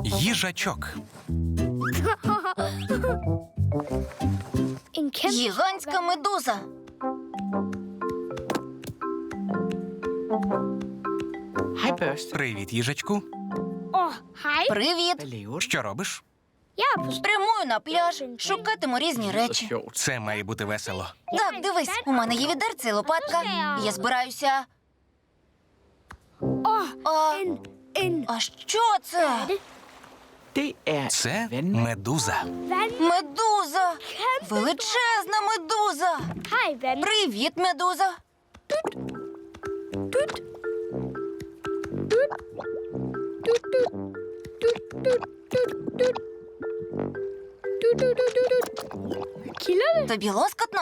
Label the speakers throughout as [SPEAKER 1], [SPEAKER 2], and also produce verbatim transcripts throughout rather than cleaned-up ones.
[SPEAKER 1] Їжачок.
[SPEAKER 2] Гігантська медуза.
[SPEAKER 3] Hej, Børste.
[SPEAKER 1] Привіт, їжачку.
[SPEAKER 2] Привіт.
[SPEAKER 3] Hvad laver du?
[SPEAKER 1] Що робиш?
[SPEAKER 2] Прямую на пляж. Шукатиму різні
[SPEAKER 3] Så
[SPEAKER 2] речі.
[SPEAKER 3] sjovt.
[SPEAKER 1] Це має бути весело.
[SPEAKER 2] Так, дивись, у мене є відерце і лопатка. Я збираюся. А, а що це?
[SPEAKER 3] Det er
[SPEAKER 1] Це
[SPEAKER 3] vand.
[SPEAKER 1] медуза.
[SPEAKER 2] Медуза! Величезна медуза! Привіт, медуза! Тобі лоскотно?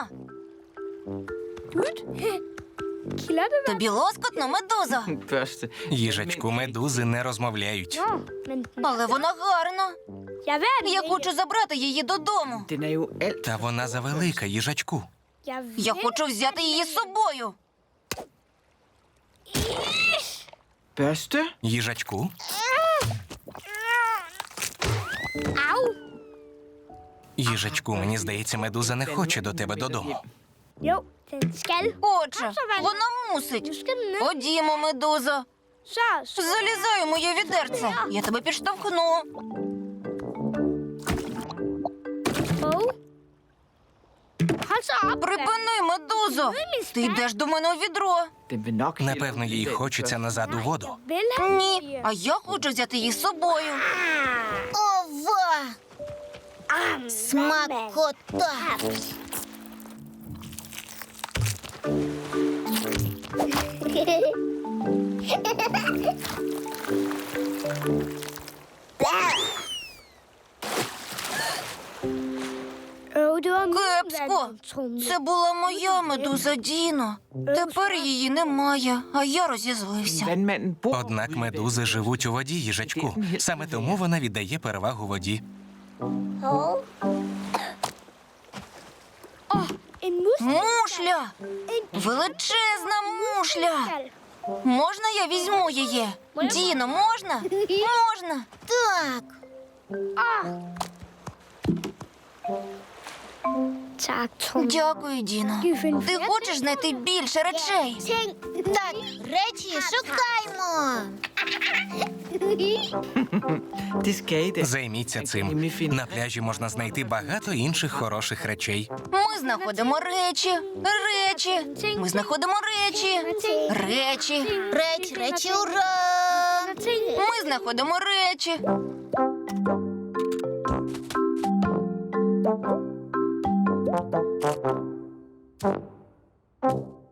[SPEAKER 2] Тобі лоскотно, медуза?
[SPEAKER 3] Børste.
[SPEAKER 1] Їжачку, медузи не розмовляють.
[SPEAKER 2] Але вона гарна. Я хочу забрати її додому.
[SPEAKER 3] Den er jo alt.
[SPEAKER 1] Та вона завелика, їжачку.
[SPEAKER 2] Я хочу взяти її з собою.
[SPEAKER 3] Børste?
[SPEAKER 1] Їжачку, їжачку, мені здається, медуза не хоче до тебе додому.
[SPEAKER 4] Jo, den skal.
[SPEAKER 2] Отже, вона мусить. Ходімо, медузо.
[SPEAKER 4] Så, så.
[SPEAKER 2] Залізай у моє відерце. Я тебе підштовхну.
[SPEAKER 4] Og. Hold så op,
[SPEAKER 2] Припини, медузо. Ти йдеш до мене у відро.
[SPEAKER 3] Den vil nok
[SPEAKER 1] Напевно, їй хочеться назад у воду.
[SPEAKER 4] Vil han?
[SPEAKER 2] Ні, а я хочу взяти її з собою. Ова! Смакота!
[SPEAKER 4] Øv, det var min
[SPEAKER 2] Кепсько!
[SPEAKER 4] vandtrumle.
[SPEAKER 2] Це була моя медуза Діно. Тепер її немає, а я розізлився.
[SPEAKER 3] Vandmanden bor
[SPEAKER 1] Однак
[SPEAKER 3] ude i
[SPEAKER 1] медузи живуть у воді, їжачку. Саме тому вона віддає перевагу воді.
[SPEAKER 4] En mus.
[SPEAKER 2] Мушля! Величезна мушля! Можна я візьму її? Діно, можна? Можна. Так.
[SPEAKER 4] Tak, Trumle.
[SPEAKER 2] Дякую, Діно. Ти хочеш знайти більше речей?
[SPEAKER 5] Так, речі шукаймо.
[SPEAKER 3] Det skal I da.
[SPEAKER 1] Займіться цим. На пляжі можна знайти багато інших хороших речей.
[SPEAKER 2] Ми знаходимо речі, речі. Ми знаходимо речі, речі.
[SPEAKER 5] Речі, речі, ура!
[SPEAKER 2] Ми знаходимо речі.
[SPEAKER 5] Thank you.